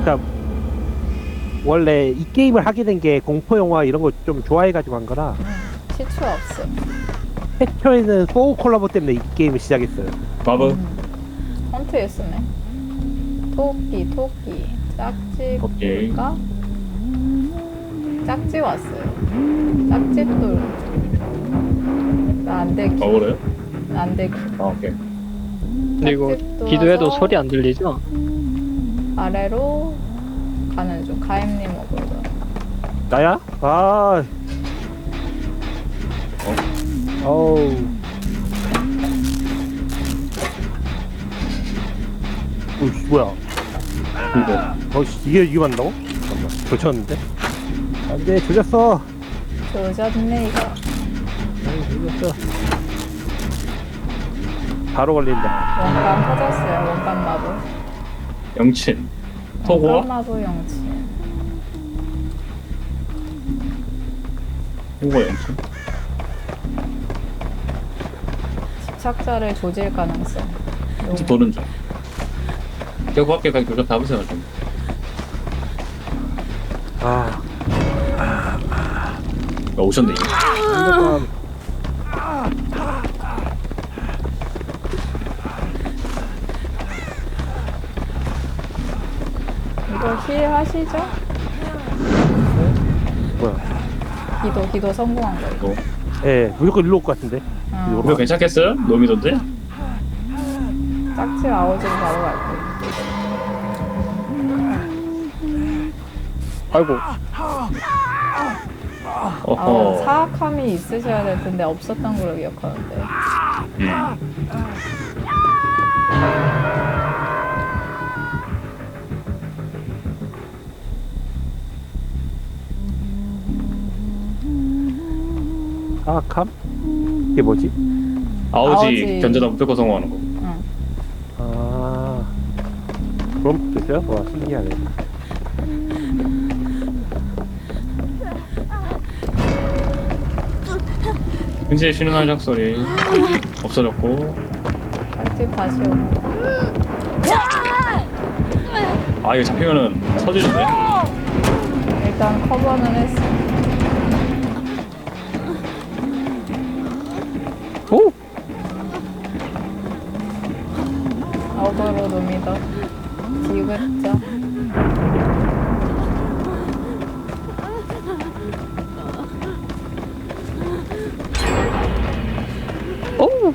그러니까 원래 이 게임을 하게 된 게 공포 영화 이런 거 좀 좋아해가지고 한 거라 시추 없음. 최초에는 소울 콜라보 때문에 이 게임을 시작했어요. 마브. 헌트 예스네. 토끼. 짝지 오케이. 볼까? 짝지 왔어요. 짝집도 나안 되기. 그래요? 안 되기. 오케이. 근데 이거 짝집도 기도해도 와서 소리 안 들리죠? 아래로 가는 중. 가임님 먹으러. 나야? 아, 어우. 오이씨, 뭐야? 이게 맞는다고? 잠깐만, 조졌는데? 안 돼, 조졌어! 조졌네 이거. 조졌어. 바로 걸린다. 원감 터졌어요. 원감 마부. 영친. 원감 토고와 마부 영치. 토고 영친. 집착자를 조질 가능성. 혹시 도는 중. 그 밖에 가기 교전 잡으세요 좀. 아, 오셨네 이게. 핸드폰. 이거 힐 하시죠? 뭐야? 기도 성공한 거 이거. 예, 무조건 일로 올 것 같은데? 이거 괜찮겠어요? 노미던데? 짝지 아오지로 바로 갈 거예요. 아이고. 어허. 사악함이 있으셔야 될 텐데 없었던 걸로 기억하는데. 사악함? 이게 뭐지? 아우지 아우지. 견제다 무조건 성공하는 거. 응. 아, 그럼 됐어요? 와, 신기하네. 근처에 쉬는 한작 소리 없어졌고. 짝지 다시 오고. 아 이거 잡히면은 터지는데? 일단 커버는 했어. 오! 어그로 놈이다. 디귿자. 오!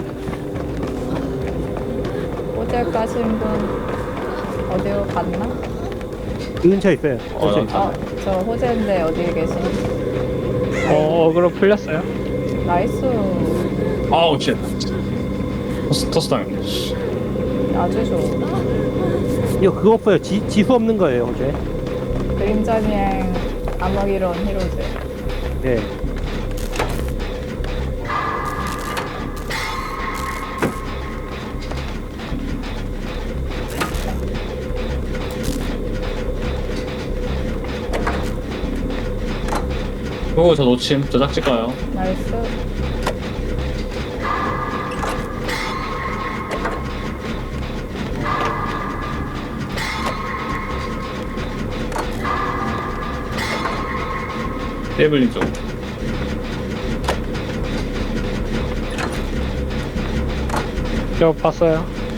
호텔 가신 분 어디로 갔나? 이 근처에 있어요. 어, 저 호재인데 어디에 계신? 어그로 풀렸어요? 나이스. 아우 쉣. 토스 당했네. 아주 좋은. 이거 그거 없어요. 지수 없는 거예요, 어제. 그림자 비행 암흑이론 히로즈. 예. 그거 저 놓침. 저 짝짓 가요. 나이스. 테이블링 쪽. 저 봤어요.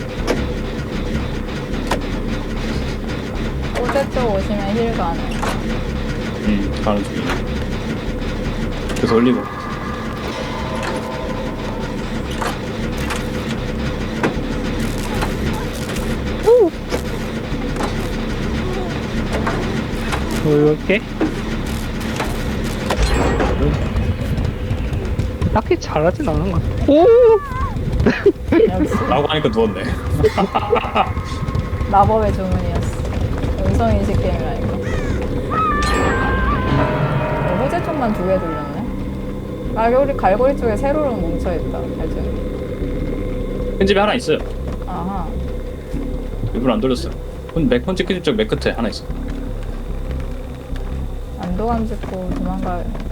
호재 쪽 오시면 힐 가능. 가는 중이야. 그래서 올리고. 이렇게 딱히 잘하진 않은 것 같아. 오! 역시 라고 하니까 누웠네. 마법의 주문이었어. 음성인식 게임이라니까. 호재 쪽만 2개 돌렸네. 갈고리 쪽에 세로로 뭉쳐있다. 발전. 큰 집에 하나 있어요. 아하. 일부러 안 돌렸어요. 맥펀치 큰 집 쪽 맥 끝에 하나 있어. 안도감 짚고 도망가요.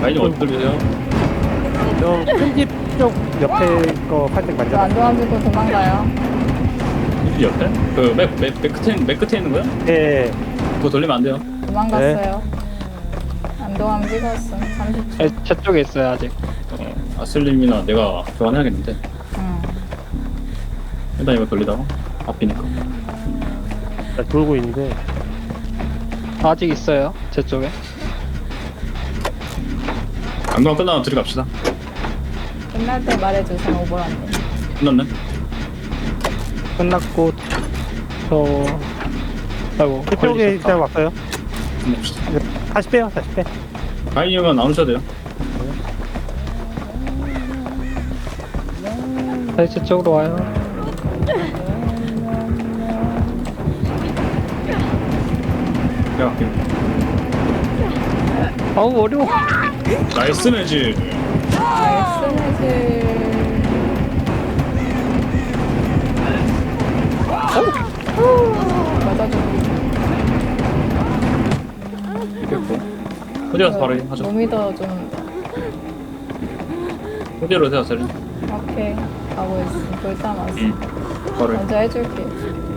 라인이 어디 돌리세요? 큰집쪽 옆에 거 살짝 저 만져봐. 안동함 짓고 도망가요. 이 옆에? 맨 끝에 있는 거야? 예. 그거 돌리면 안 돼요. 도망갔어요. 안동함 찍었음. 30초. 네, 제 쪽에 있어요 아직. 아슬림이나 내가 교환해야겠는데. 응. 일단 이거 돌리다가 앞이니까. 나 돌고 있는데. 아직 있어요 제 쪽에. 안경 끝나면 둘이 갑시다. 끝날 때 말해주세요. 오버란데. 끝났네. 끝났고 저 아이고 그쪽에 걸리셨다. 일단 왔어요. 끝냅시다. 다시 빼요, 다시 빼. 가인이면 안 오셔도 돼요. 다시 제 쪽으로 와요. 내가 갈게요. 아우 어려워. 나이스 매지. 나이스 매직. 맞아줘. 이겼고. 어디 가서 바로 하죠. 몸이 더 좀. 어디로 오세요, 아슬림? 오케이. 가고 있어. 불타 왔어. 바로. 먼저 해줄게.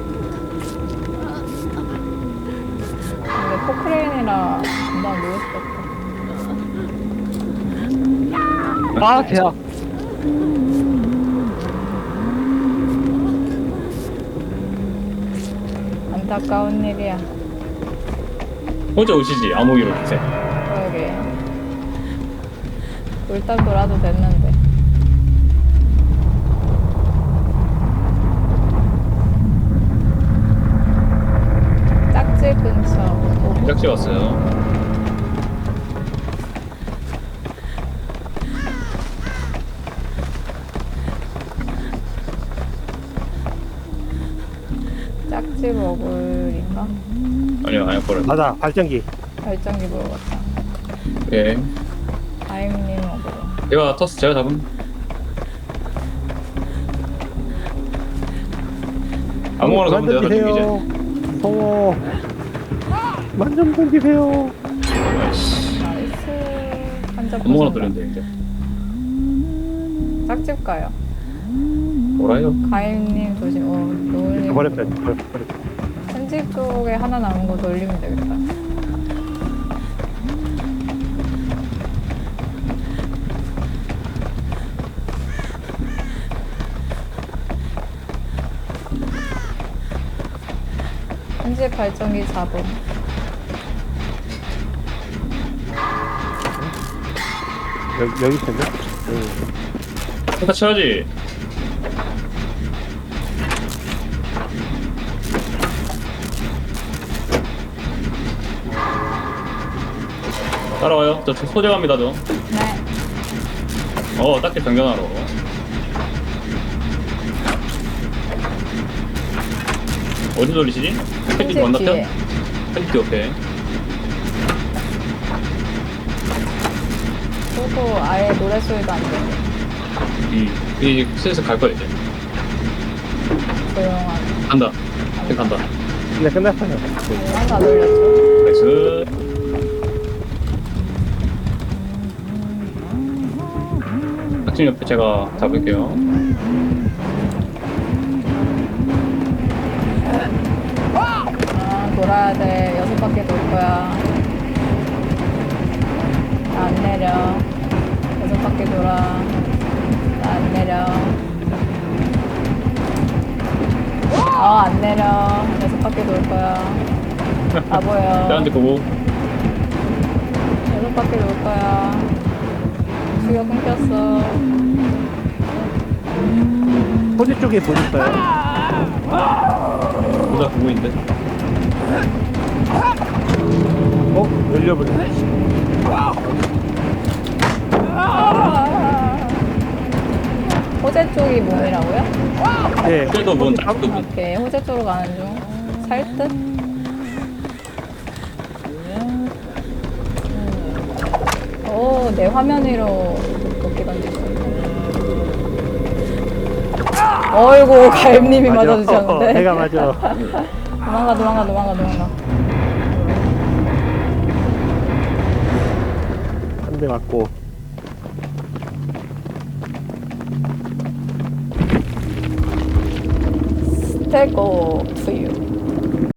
근데 포크레인이라 금방 누울 수 없다. 아 대박. 안타까운 일이야. 혼자 오시지, 암호기로 주세요. 그러게. 불딱 돌아도 됐는데. 짝집 근처. 짝지 왔어요. 짝집 어글인가? 아니요, 아니요, 버려. 맞아, 발전기. 발전기 보러 갔다. 예. 아임님 어글. 제가 터스 제가 잡은. 아무거나 잡으면 돼요, 나중에 이제. 무서워. 만점 던지세요. 아이씨. 나이스. 한잔 아무거나 부순다. 돌리면 돼, 이제. 짝집 가요. 뭐라요? 가임님 조심. 노을님. 버렸어요. 버렸어요. 편집 쪽에 하나 남은 거 돌리면 되겠다. 편집 발전기 잡음. 여기 있었네. 다 쳐야지. 따라와요. 저 소재갑니다, 저. 네. 딱히 변경하러. 어디 돌리시지? 팬티 편집 만났죠? 뒤에. 팬티 옆에. 그리고 아예 노래소리도 안 들려. 이 슬슬 갈 거야, 이제. 조용한. 간다. 이제 간다. 네, 끝났어요. 하나 돌렸죠. 나이스. 박진 옆에 제가 잡을게요. 돌아야 돼. 6바퀴 돌 거야. 나 안 내려. 6바퀴 돌아. 나 안 내려. 안 내려. 6바퀴 돌 거야. 다 보여. 나한테 보고. 6바퀴 돌 거야. 수요 끊겼어. 호주 쪽에 보셨어요? 보다 보고 있는데. 열려버렸네. 호재 쪽이 몸이라고요? 네. 그래도 뭔 짝도 뭐. 오케이. 호재 쪽으로 가는 중. 살 듯? 오, 내 화면 위로 도끼 던지고. 어이구, 가임님이 맞아주셨는데. 내가 맞아. 도망가. 한 대 맞고. 스테고 투유.